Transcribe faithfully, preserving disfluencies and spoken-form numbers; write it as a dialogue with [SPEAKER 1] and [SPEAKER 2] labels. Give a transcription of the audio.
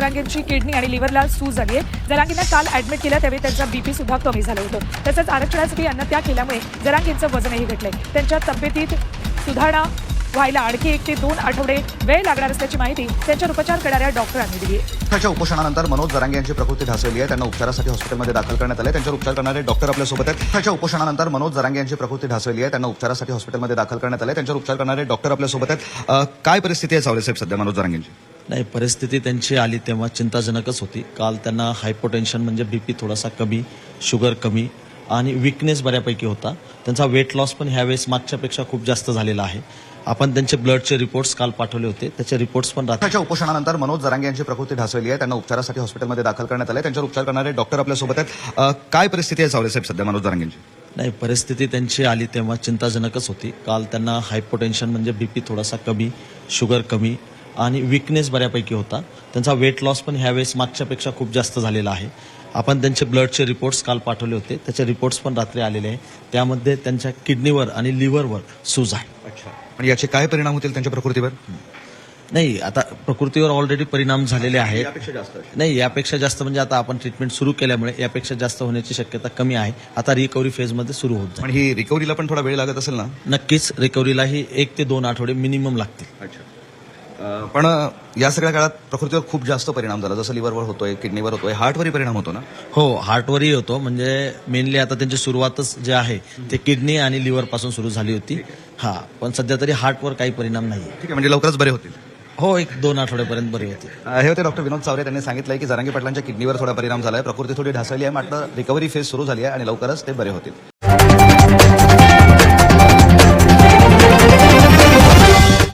[SPEAKER 1] जरांगेंची kidney आणि लिव्हरला सूज झाली आहे. जरांगेंना काल ऍडमिट केलं त्यावेळी त्यांचा बीपी सुद्धा कमी झालं होतं. तसंच आरक्षणासाठी अन्नत्याग केल्यामुळे जरांगेंचं वजनही घटलंय. त्यांच्या तब्येतीत सुधारणा व्हायला आणखी एक ते दोन आठवडे वेळ लागणार असल्याची माहिती त्यांच्यावर उपचार करणाऱ्या डॉक्टरांनी दिली आहे.
[SPEAKER 2] त्याच्या उपोषणानंतर मनोज जरांगे यांची प्रकृती ढासळली आहे. त्यांना उपचारासाठी हॉस्पिटलमध्ये दाखल करण्यात आले. त्यांच्यावर उपचार करणारे डॉक्टर आपल्यासोबत आहेत. त्याच्या उपोषणानंतर मनोज जरांगे यांची प्रकृती ढासळली आहे. त्यांना उपचारासाठी हॉस्पिटलमध्ये दाखल करण्यात आले. त्यांच्यावर उपचार करणारे डॉक्टर आपल्यासोबत आहेत. अ, काय परिस्थिती आहे सावळे साहेब सध्या मनोज जरांगेंची?
[SPEAKER 3] नाही, परिस्थिती त्यांची आली तेव्हा चिंताजनकच होती. काल त्यांना हायपोटेन्शन म्हणजे बीपी थोडासा कमी, शुगर कमी आणि विकनेस बऱ्यापैकी होता. त्यांचा वेट लॉस पण ह्यावेळेस मागच्यापेक्षा खूप जास्त झालेला आहे. आपण त्यांचे ब्लडचे रिपोर्ट्स काल पाठवले होते. त्याचे रिपोर्ट्स पण राहतात.
[SPEAKER 2] त्याच्या उपोषणानंतर मनोज जरांगे यांची प्रकृती ढासळली आहे. त्यांना उपचारासाठी हॉस्पिटलमध्ये दाखल करण्यात आले. त्यांच्यावर उपचार करणारे डॉक्टर आपल्यासोबत आहेत. अ, काय परिस्थिती आहे सावळे साहेब सध्या मनोज जरांगेंची?
[SPEAKER 3] नाही, परिस्थिती त्यांची आली तेव्हा चिंताजनकच होती. काल त्यांना हायपोटेन्शन म्हणजे बीपी थोडासा कमी, शुगर कमी आणि विकनेस बऱ्यापैकी होता. त्यांचा वेट लॉस पण ह्यावेळेस मागच्यापेक्षा खूप जास्त झालेला आहे. आपण त्यांचे ब्लडचे रिपोर्ट्स काल पाठवले होते. त्याचे रिपोर्ट्स पण रात्री आलेले आहे. त्यामध्ये त्यांच्या किडनीवर आणि लिव्हरवर सूज आहे.
[SPEAKER 2] अच्छा, आणि याचे काय परिणाम होतील त्यांच्या प्रकृतीवर?
[SPEAKER 3] नाही, आता प्रकृतीवर ऑलरेडी परिणाम झालेले आहेत.
[SPEAKER 2] यापेक्षा जास्त?
[SPEAKER 3] नाही, यापेक्षा जास्त म्हणजे आता आपण ट्रीटमेंट सुरू केल्यामुळे यापेक्षा जास्त होण्याची शक्यता कमी आहे. आता रिकव्हरी फेजमध्ये सुरू होत जाईल.
[SPEAKER 2] पण ही रिकव्हरीला पण थोडा वेळ लागत असेल ना?
[SPEAKER 3] नक्कीच रिकव्हरीलाही एक ते दोन आठवडे मिनिमम लागतील.
[SPEAKER 2] अच्छा, पण या सगळ्या काळात प्रकृतीवर खूप जास्त परिणाम झाला, जसं लिव्हरवर होतोय, किडनीवर होतोय, हार्टवरही परिणाम होतो ना?
[SPEAKER 3] हो, हार्टवरही होतो. म्हणजे मेनली आता त्यांची सुरुवातच जे आहे ते किडनी आणि लिव्हर पासून सुरू झाली होती. हा, पण सध्या तरी हार्टवर काही परिणाम नाही.
[SPEAKER 2] ठीक आहे, म्हणजे लवकरच बरे होतील?
[SPEAKER 3] हो, एक दोन आठवड्यापर्यंत बरी होते.
[SPEAKER 2] हे होते डॉक्टर विनोद चावरे. त्यांनी सांगितलंय की जरांगे पाटलांच्या किडनीवर थोडा परिणाम झालाय, प्रकृती थोडी ढासळली आहे, मात्र रिकव्हरी फेज सुरू झाली आहे आणि लवकरच ते बरे होतील.